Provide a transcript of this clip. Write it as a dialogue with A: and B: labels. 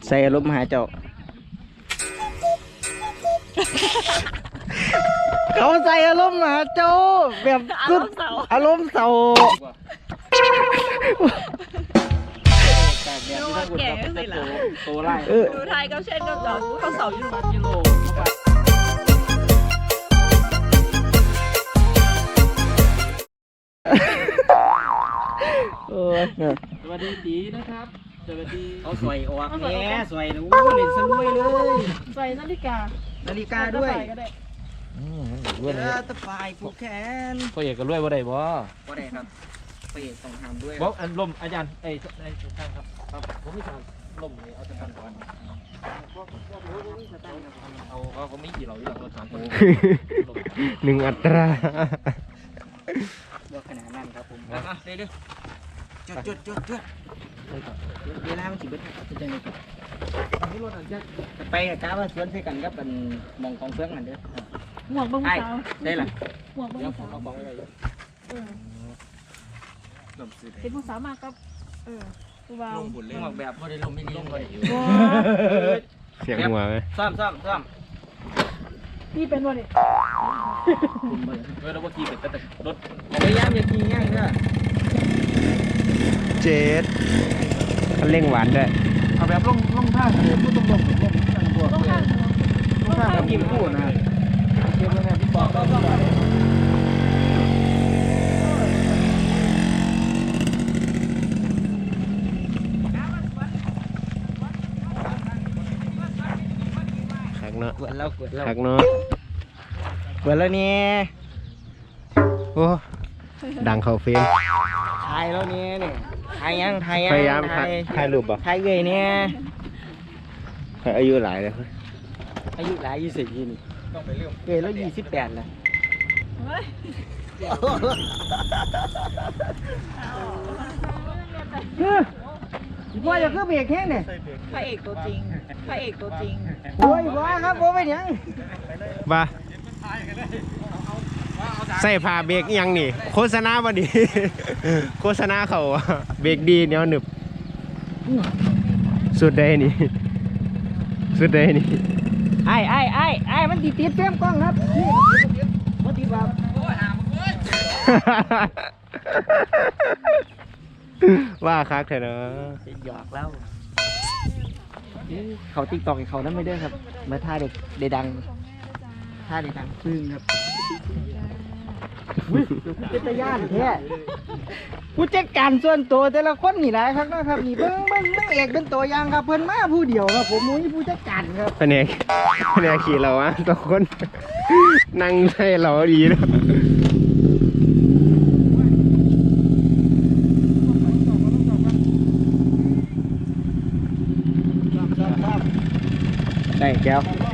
A: ใส่อารมณ์หาเจ้า เขาใส่อารมณ์หาเจ้าแบบสุดอารมณ์เศร้า
B: ดูว่าแก่ก็สิล่ะ
C: โตไล่
B: ดูไทยก็เช่นก็จอดเขาเสาอยู่หลังกิโล
A: โอ้ย
C: สวัสดีตีนะครับสวัสดี
A: เอาสวยออกแง่สวยนะเล่นสลุยเลย
B: ใส่นาฬิกา
A: นาฬิกาด้วย
B: ก็ได้
A: ตะไฟผูกแขน
C: พ่อเอกก็รวยว่าได้บ่
A: ก็ได้ครับไปต้องทำด้วย
C: บอกอันลมอาจารย์ไอ้ท่านครับครับผมมีทางลมนี่เอาจะทำก่อนเอาเขาไม่กี่เราอยู่หลังรถสามคน
A: หนึ่งอัตรา
D: บ่ขนาดนั้นครับผม
A: เรื่อยๆจุดเวลามันสิเบิดครับจังได๋ไปกะว่าสวนใส่กันกับเป็นมองของเฟืองนั่นเด้อ
B: หมวกบาง
A: ไอ้
B: สาว
A: ได้ล่ะ
B: หมวกบาง
C: เดี๋ยวผม
B: สาว
C: เอาบอกไว้เลย
D: ลมซื้อได้
B: เป็นผู้สาวมากครับผู้บ่าว
D: ลงบุญเลย
A: มองแบบบ่ได้ลมไม่ดีเลย
E: เสียงหัวไหม
A: ซ่อม
B: พี่เป็นวันนี้
C: เมื่อเราว่าขี่เป็นแต่รถ
A: พยายามอย่าขี่แง่งเด้อ
E: เจ็ดคันเร่งหวานด้วย
C: เอาแบบลงท่าเลยไม่ต้องลงนั่งบวก
B: ต้องข้าง
A: รถทางกับกินคู่นะ
C: เกมแล้วเนี่ยพี่บอกแล้ว
E: คักเนาะ
A: กวนเรา
E: คักเนาะ
A: กวนแล้วเนี่ย
E: โอ้ดังเข้าเฟรม
A: ถ่ายแล้วเนี่ยนี่ถ่ายยัง
E: พยายามถ่ายรูปบ่
A: ถ่ายเลยเนี่ย
E: อายุหลายเลย
A: อายุหลาย20ปีนี่
C: ต้องไปเรื่อง
A: เกิดแล้ว28แล้ว
B: เฮ้ย
A: ว่าจะคือเบรกแห้งเนี่ย
B: พระเอกตัวจริงพระเอกตัวจริง
A: โอ้ยว่าครับโอ้ไม่ยัง
E: ว่าใส่ผ้าเบรกอิหยังนี่ โฆษณาบ่ดี โฆษณาเขาอะเบรกดีเหนียวหนึบสุดใดนี่สุดใดนี่
A: ไอ้มันติดเฟรมกล้องครับนี่มันติดแบบ
E: ว่าคักเถอะเนาะ
A: หยอกแล้วเขาติ๊กตอกเขานั้นไม่ได้ครับมาท่าเด็กได้ดังท่าเด็กดังพึ่งครับเป็นตะย่านแท้ผู้จัดการส่วนตัวแต่ละคนนี่หลายครับนะครับนี่เบิ้งเอกเป็นตัวอย่างครับเพิ่นมาผู้เดียวครับผมมุ้ยผู้จัดการครับ
E: แผนกขี่เราอะตัวคน นั่งใส่เราดีเนาะ
A: ได้แก้ว
C: เ